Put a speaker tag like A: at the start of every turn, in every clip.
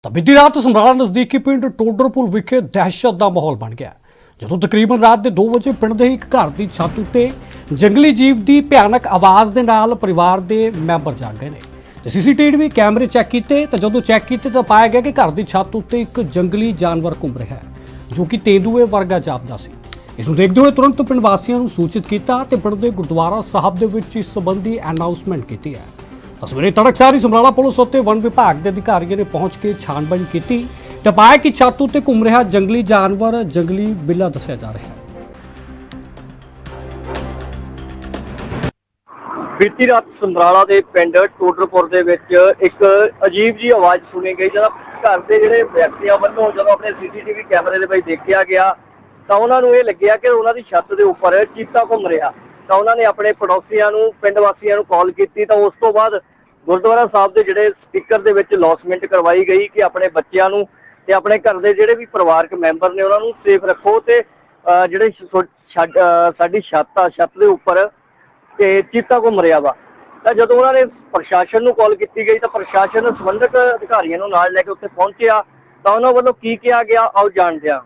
A: ਤਾਂ ਬੀਤੀ ਰਾਤ ਸਮਰਾਲਾ ਨਜ਼ਦੀਕੀ ਪਿੰਡ ਟੋਡਰਪੁਰ ਵਿਖੇ ਦਹਿਸ਼ਤ ਦਾ ਮਾਹੌਲ ਬਣ ਗਿਆ ਜਦੋਂ ਤਕਰੀਬਨ ਰਾਤ ਦੇ 2 ਵਜੇ ਪਿੰਡ ਦੇ ਇੱਕ ਘਰ ਦੀ ਛੱਤ ਉੱਤੇ ਜੰਗਲੀ ਜੀਵ ਦੀ ਭਿਆਨਕ ਆਵਾਜ਼ ਦੇ ਨਾਲ ਪਰਿਵਾਰ ਦੇ ਮੈਂਬਰ ਜਾਗ ਗਏ ਨੇ ਤੇ ਸੀਸੀਟੀਵੀ ਕੈਮਰੇ ਚੈੱਕ ਕੀਤੇ ਤਾਂ ਜਦੋਂ ਚੈੱਕ ਕੀਤੇ ਤਾਂ ਪਾਇਆ ਗਿਆ ਕਿ ਘਰ ਦੀ ਛੱਤ ਉੱਤੇ ਇੱਕ ਜੰਗਲੀ ਜਾਨਵਰ ਘੁੰਮ ਰਿਹਾ ਹੈ ਜੋ ਕਿ ਤੇਂਦੂਏ ਵਰਗਾ ਜਾਪਦਾ ਸੀ। ਇਸ ਨੂੰ ਦੇਖਦੇ ਹੋਏ ਤੁਰੰਤ ਪਿੰਡ ਵਾਸੀਆਂ ਨੂੰ ਸੂਚਿਤ ਕੀਤਾ ਤੇ ਪਿੰਡ ਦੇ ਗੁਰਦੁਆਰਾ ਸਾਹਿਬ ਦੇ ਵਿੱਚ ਇਸ ਸੰਬੰਧੀ ਅਨਾਉਂਸਮੈਂਟ ਕੀਤੀ ਹੈ। ਸਵੇਰੇ ਤੜਕਸਾਰ ਹੀ ਸਮਰਾਲਾ ਪੁਲਿਸ ਉੱਤੇ ਵਨ ਵਿਭਾਗ ਦੇ ਅਧਿਕਾਰੀਆਂ ਨੇ ਪਹੁੰਚ ਕੇ ਛਾਣਬੀਣ ਕੀਤੀ ਤੇ ਪਾਇਆ ਕਿ ਛੱਤ ਉੱਤੇ ਘੁੰਮ ਰਿਹਾ ਜੰਗਲੀ ਜਾਨਵਰ ਜੰਗਲੀ ਬਿੱਲਾ ਦੱਸਿਆ ਜਾ ਰਿਹਾ ਹੈ।
B: ਬੀਤੀ ਰਾਤ ਸਮਰਾਲਾ ਦੇ ਪਿੰਡ ਟੋਡਰਪੁਰ ਦੇ ਵਿੱਚ ਇੱਕ ਅਜੀਬ ਜੀ ਆਵਾਜ਼ ਸੁਣੀ ਗਈ ਜਦੋਂ ਘਰ ਦੇ ਜਿਹੜੇ ਵਿਅਕਤੀਆਂ ਵੱਲੋਂ ਜਦੋਂ ਆਪਣੇ ਸੀਸੀਟੀਵੀ ਕੈਮਰੇ ਦੇ ਵਿੱਚ ਦੇਖਿਆ ਗਿਆ ਤਾਂ ਉਹਨਾਂ ਨੂੰ ਇਹ ਲੱਗਿਆ ਕਿ ਉਹਨਾਂ ਦੀ ਛੱਤ ਦੇ ਉੱਪਰ ਚੀਤਾ ਘੁੰਮ ਰਿਹਾ। ਤਾਂ ਉਹਨਾਂ ਨੇ ਆਪਣੇ ਪੜੋਸੀਆਂ ਨੂੰ ਪਿੰਡ ਵਾਸੀਆਂ ਨੂੰ ਕਾਲ ਕੀਤੀ ਤਾਂ ਉਸ ਤੋਂ ਬਾਅਦ ਗੁਰਦੁਆਰਾ ਸਾਹਿਬ ਦੇ ਜਿਹੜੇ ਸਪੀਕਰ ਦੇ ਵਿੱਚ ਅਨਾਉਂਸਮੈਂਟ ਕਰਵਾਈ ਗਈ ਕਿ ਆਪਣੇ ਬੱਚਿਆਂ ਨੂੰ ਤੇ ਆਪਣੇ ਘਰ ਦੇ ਜਿਹੜੇ ਵੀ ਪਰਿਵਾਰਕ ਮੈਂਬਰ ਨੇ ਉਹਨਾਂ ਨੂੰ ਸੇਫ ਰੱਖੋ ਤੇ ਜਿਹੜੇ ਸਾਡੀ ਛੱਤ ਦੇ ਉੱਪਰ ਤੇ ਚੀਤਾ ਘੁੰਮ ਰਿਹਾ ਵਾ। ਤਾਂ ਜਦੋਂ ਉਹਨਾਂ ਨੇ ਪ੍ਰਸ਼ਾਸਨ ਨੂੰ ਕਾਲ ਕੀਤੀ ਗਈ ਤਾਂ ਪ੍ਰਸ਼ਾਸਨ ਸੰਬੰਧਿਤ ਅਧਿਕਾਰੀਆਂ ਨੂੰ ਨਾਲ ਲੈ ਕੇ ਉੱਥੇ ਪਹੁੰਚਿਆ ਤਾਂ ਉਹਨਾਂ ਵੱਲੋਂ ਕੀ ਕਿਹਾ ਗਿਆ ਆਓ ਜਾਣਦੇ ਹਾਂ।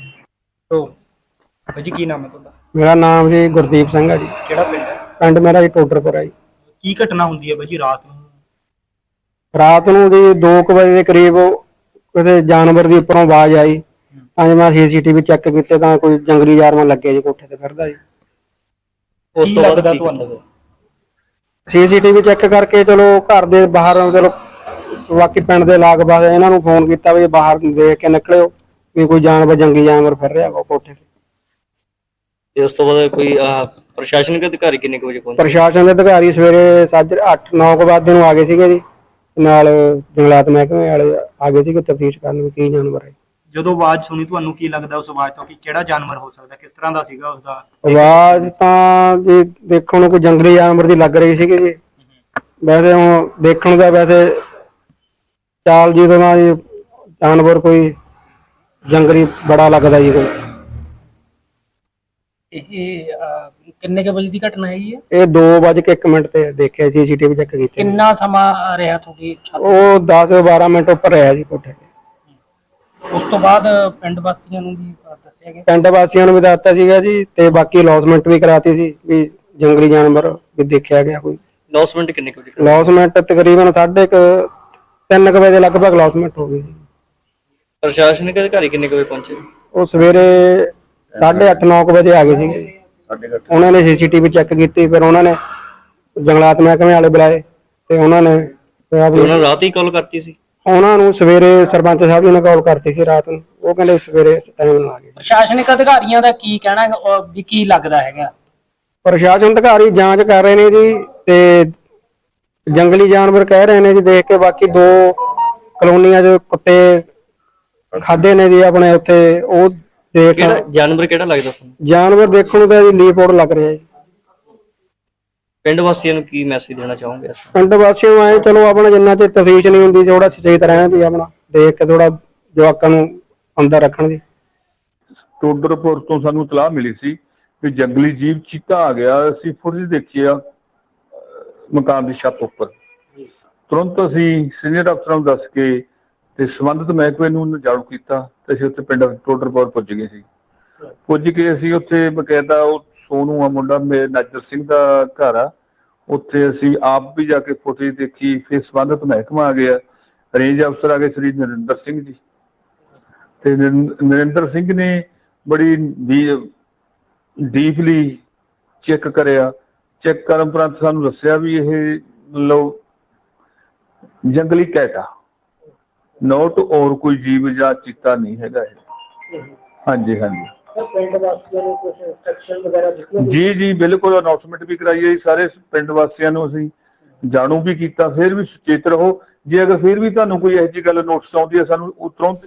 C: ਜੀ ਕੀ ਨਾਮ ਹੈ ਤੁਹਾਡਾ?
D: ਮੇਰਾ ਨਾਮ ਜੀ ਗੁਰਦੀਪ ਸਿੰਘ ਹੈ ਜੀ।
C: ਕਿਹੜਾ ਪਿੰਡ ਹੈ?
D: ਪਿੰਡ ਮੇਰਾ ਜੀ ਟੋਡਰਪੁਰ ਹੈ ਜੀ।
C: ਕੀ ਘਟਨਾ ਹੁੰਦੀ ਹੈ ਬਾਈ ਜੀ ਰਾਤ ਨੂੰ?
D: ਰਾਤ ਨੂੰ ਜੀ 2 ਵਜੇ ਦੇ ਕਰੀਬ ਕਿਤੇ ਜਾਨਵਰ ਦੀ ਉੱਪਰੋਂ ਆਵਾਜ਼ ਆਈ। ਅੱਜ ਮੈਂ ਸੀਸੀਟੀਵੀ ਚੈੱਕ ਕੀਤੇ ਤਾਂ ਕੋਈ ਜੰਗਲੀ ਜਾਨਵਰ ਲੱਗੇ ਜੀ ਕੋਠੇ ਤੇ ਫਿਰਦਾ ਜੀ।
C: ਉਸ ਤੋਂ ਬਾਅਦ ਤੁਹਾਨੂੰ
D: ਸੀਸੀਟੀਵੀ ਚੈੱਕ ਕਰਕੇ ਚਲੋ ਘਰ ਦੇ ਬਾਹਰ ਚਲੋ ਬਾਕੀ ਪਿੰਡ ਦੇ ਲਾਗ-ਬਾਗ ਇਹਨਾਂ ਨੂੰ ਫੋਨ ਕੀਤਾ ਵੀ ਬਾਹਰ ਦੇਖ ਕੇ ਨਿਕਲਿਓ ਵੀ ਕੋਈ ਜਾਨਵਰ ਜੰਗਲੀ ਜਾਨਵਰ ਫਿਰ ਰਿਹਾ ਵਾ ਕੋਠੇ ਤੇ।
E: ਤੇ ਉਸ ਤੋਂ ਬਾਅਦ ਕੋਈ ਪ੍ਰਸ਼ਾਸਨਿਕ ਅਧਿਕਾਰੀ ਕਿੰਨੇ ਕੁ ਵਜੇ ਪਹੁੰਚੇ?
D: ਪ੍ਰਸ਼ਾਸਨ ਦੇ ਅਧਿਕਾਰੀ ਸਵੇਰੇ 8-9 ਵਜੇ ਨੂੰ ਆ ਗਏ ਸੀਗੇ ਜੀ। ਨਾਲ ਜੰਗਲਾਤ ਮਹਿਕਮੇ ਵਾਲੇ ਆ ਗਏ ਸੀਗੇ ਤਫਤੀਸ਼ ਕਰਨ ਵੀ ਕੀ ਜਾਨਵਰ ਹੈ।
C: ਜਦੋਂ ਆਵਾਜ਼ ਸੁਣੀ ਤੁਹਾਨੂੰ ਕੀ ਲੱਗਦਾ ਉਸ ਆਵਾਜ਼ ਤੋਂ ਕਿ ਕਿਹੜਾ ਜਾਨਵਰ ਹੋ ਸਕਦਾ? ਕਿਸ ਤਰ੍ਹਾਂ ਦਾ ਸੀਗਾ ਉਸਦਾ?
D: ਆਵਾਜ਼ ਤਾਂ ਜੀ ਦੇਖਣ ਨੂੰ ਕੋਈ ਜੰਗਲੀ ਜਾਨਵਰ ਦੀ ਲੱਗ ਰਹੀ ਸੀਗੀ ਜੀ। ਵੈਸੇ ਹੁਣ ਦੇਖਣ ਦਾ ਵੈਸੇ ਚਾਲ ਜੀ ਤੋਂ ਨਾ ਜੀ ਜਾਨਵਰ ਕੋਈ ਜੰਗਲੀ ਬੜਾ ਲੱਗਦਾ ਜੀ। ਕੋਈ
F: ਇਹ ਕਿੰਨੇ ਕੁ ਵਜੇ ਦੀ ਘਟਨਾ ਹੈਗੀ ਹੈ?
D: ਇਹ 2:01 ਤੇ ਦੇਖਿਆ ਸੀਸੀਟੀਵੀ ਚੈੱਕ ਕੀਤੀ।
F: ਕਿੰਨਾ ਸਮਾਂ ਰਿਹਾ ਤੁਹਾਡੀ ਛੱਤ?
D: ਉਹ 10-12 ਮਿੰਟ ਉੱਪਰ ਰਿਹਾ ਜੀ ਕੋਠੇ ਤੇ।
F: ਉਸ ਤੋਂ ਬਾਅਦ ਪਿੰਡ ਵਾਸੀਆਂ ਨੂੰ ਵੀ ਦੱਸਿਆ ਗਿਆ?
D: ਪਿੰਡ ਵਾਸੀਆਂ ਨੂੰ ਵੀ ਦੱਸਤਾ ਸੀਗਾ ਜੀ ਤੇ ਬਾਕੀ ਅਨਾਉਂਸਮੈਂਟ ਵੀ ਕਰਾਤੀ ਸੀ ਵੀ ਜੰਗਲੀ ਜਾਨਵਰ ਵੀ ਦੇਖਿਆ ਗਿਆ। ਕੋਈ
E: ਅਨਾਉਂਸਮੈਂਟ ਕਿੰਨੇ ਕੁ ਵਜੇ?
D: ਅਨਾਉਂਸਮੈਂਟ ਤਕਰੀਬਨ 3:30 ਵਜੇ ਦੇ ਲਗਭਗ ਅਨਾਉਂਸਮੈਂਟ ਹੋ ਗਈ ਜੀ।
E: ਪ੍ਰਸ਼ਾਸਨਿਕ ਅਧਿਕਾਰੀ ਕਿੰਨੇ ਕੁ ਵਜੇ ਪਹੁੰਚੇ?
D: ਉਹ ਸਵੇਰੇ 8:30-9 ਵਜੇ ਆ ਗਏ ਸੀਗੇ। ਉਹਨਾਂ ਨੇ ਸੀਸੀਟੀਵੀ ਚੈੱਕ ਕੀਤੀ ਫਿਰ ਉਹਨਾਂ ਨੇ ਜੰਗਲਾਤ ਮਹਿਕਮੇ ਵਾਲੇ ਬੁਲਾਏ ਤੇ ਉਹਨਾਂ ਨੇ
E: ਉਹਨਾਂ ਨੂੰ ਰਾਤ ਹੀ ਕਾਲ ਕਰਤੀ ਸੀ?
D: ਉਹਨਾਂ ਨੂੰ ਸਵੇਰੇ ਸਰਪੰਚ ਸਾਹਿਬ ਜੀ ਨੇ ਕਾਲ ਕਰਤੀ ਸੀ ਰਾਤ ਨੂੰ। ਉਹ ਕਹਿੰਦੇ ਸਵੇਰੇ ਟਾਈਮ ਨਾਲ ਆ ਗਏ।
F: ਪ੍ਰਸ਼ਾਸਨਿਕ ਅਧਿਕਾਰੀਆਂ ਦਾ ਕੀ ਕਹਿਣਾ ਹੈ ਵੀ ਕੀ ਲੱਗਦਾ ਹੈਗਾ?
D: ਪ੍ਰਸ਼ਾਸਨ ਅਧਿਕਾਰੀ ਜਾਂਚ ਕਰ ਰਹੇ ਨੇ ਜੀ ਤੇ ਜੰਗਲੀ ਜਾਨਵਰ ਕਹਿ ਰਹੇ ਨੇ ਜੀ ਦੇਖ ਕੇ। ਬਾਕੀ 2 ਕਲੋਨੀਆਂ 'ਚ ਕੁੱਤੇ ਖਾਦੇ ਨੇ ਜੀ ਆਪਣੇ ਉੱਥੇ। ਉਹ ਦੇਖ
E: ਜਾਨਵਰ ਕਿਹੜਾ ਲੱਗਦਾ ਤੁਹਾਨੂੰ?
D: ਜਾਨਵਰ ਦੇਖਣ ਨੂੰ ਤਾਂ ਜੀ ਲੀਪੋੜ ਲੱਗ ਰਿਹਾ ਜੀ।
E: ਪਿੰਡ ਵਾਸੀਆਂ ਨੂੰ ਕੀ ਮੈਸੇਜ ਦੇਣਾ ਚਾਹੋਗੇ?
D: ਪਿੰਡ ਵਾਸੀਆਂ ਨੂੰ ਆਏ ਚਲੋ ਆਪਣਾ ਜਿੰਨਾ ਚਿਰ ਤਫਤੀਸ਼ ਨਹੀਂ ਹੁੰਦੀ ਥੋੜਾ ਸਹੀ ਤਰ੍ਹਾਂ ਵੀ ਆਪਣਾ ਦੇਖ ਕੇ ਥੋੜਾ ਜਵਾਕਾਂ ਨੂੰ ਅੰਦਰ ਰੱਖਣ ਦੀ।
G: ਟੋਡਰਪੁਰ ਤੋਂ ਸਾਨੂੰ ਇਤਲਾਹ ਮਿਲੀ ਸੀ ਕਿ ਜੰਗਲੀ ਜੀਵ ਚੀਤਾ ਆ ਗਿਆ। ਅਸੀਂ ਫੁਟੇਜ ਦੇਖੀ ਆ ਮਕਾਨ ਦੀ ਛੱਤ ਉੱਪਰ। ਤੁਰੰਤ ਅਸੀਂ ਸੀਨੀਅਰ ਅਫਸਰਾਂ ਨੂੰ ਦੱਸ ਕੇ ਤੇ ਸੰਬੰਧਿਤ ਮਹਿਕਮੇ ਨੂੰ ਜਾਣੂ ਕੀਤਾ ਤੇ ਅਸੀਂ ਉੱਥੇ ਪਿੰਡ ਟੋਡਰਪੁਰ ਪੁੱਜ ਗਏ ਸੀ। ਪੁੱਜ ਕੇ ਅਸੀਂ ਉੱਥੇ ਬਕਾਇਦਾ ਉਹ ਸੋਨੂ ਆ ਮੁੰਡਾ ਮੇਰੇ ਨਾਜਰ ਸਿੰਘ ਦਾ ਘਰ ਆ, ਉੱਥੇ ਅਸੀਂ ਆਪ ਵੀ ਜਾ ਕੇ ਫੁਟੇਜ ਦੇਖੀ। ਫਿਰ ਸੰਬੰਧਿਤ ਮਹਿਕਮਾ ਆ ਗਿਆ, ਰੇਂਜ ਅਫਸਰ ਆ ਗਏ ਸ੍ਰੀ ਨਰਿੰਦਰ ਸਿੰਘ ਜੀ ਤੇ ਨਰਿੰਦਰ ਸਿੰਘ ਨੇ ਬੜੀ ਡੀਪਲੀ ਚੈੱਕ ਕਰਿਆ। ਚੈੱਕ ਕਰਨ ਉਪਰੰਤ ਸਾਨੂੰ ਦੱਸਿਆ ਵੀ ਇਹ ਮਤਲਬ ਜੰਗਲੀ ਕੈਟ ਆ, ਨੋਟ ਔਰ ਕੋਈ ਜੀਵ ਜਾਂ ਚੀਤਾ ਨਹੀਂ ਹੈਗਾ ਇਹ। ਹਾਂਜੀ ਹਾਂਜੀ ਜੀ ਬਿਲਕੁਲ ਅਨਾਉਂਸਮੈਂਟ ਵੀ ਕਰਾਈ ਹੈ ਸਾਰੇ ਪਿੰਡ ਵਾਸੀਆਂ ਨੂੰ। ਅਸੀਂ ਜਾਣੂ ਵੀ ਕੀਤਾ। ਫਿਰ ਵੀ ਸੁਚੇਤ ਰਹੋ। ਜੇ ਅਗਰ ਫਿਰ ਵੀ ਤੁਹਾਨੂੰ ਕੋਈ ਇਹੋ ਜਿਹੀ ਗੱਲ ਨੋਟਿਸ ਆਉਂਦੀ ਹੈ ਸਾਨੂੰ ਤੁਰੰਤ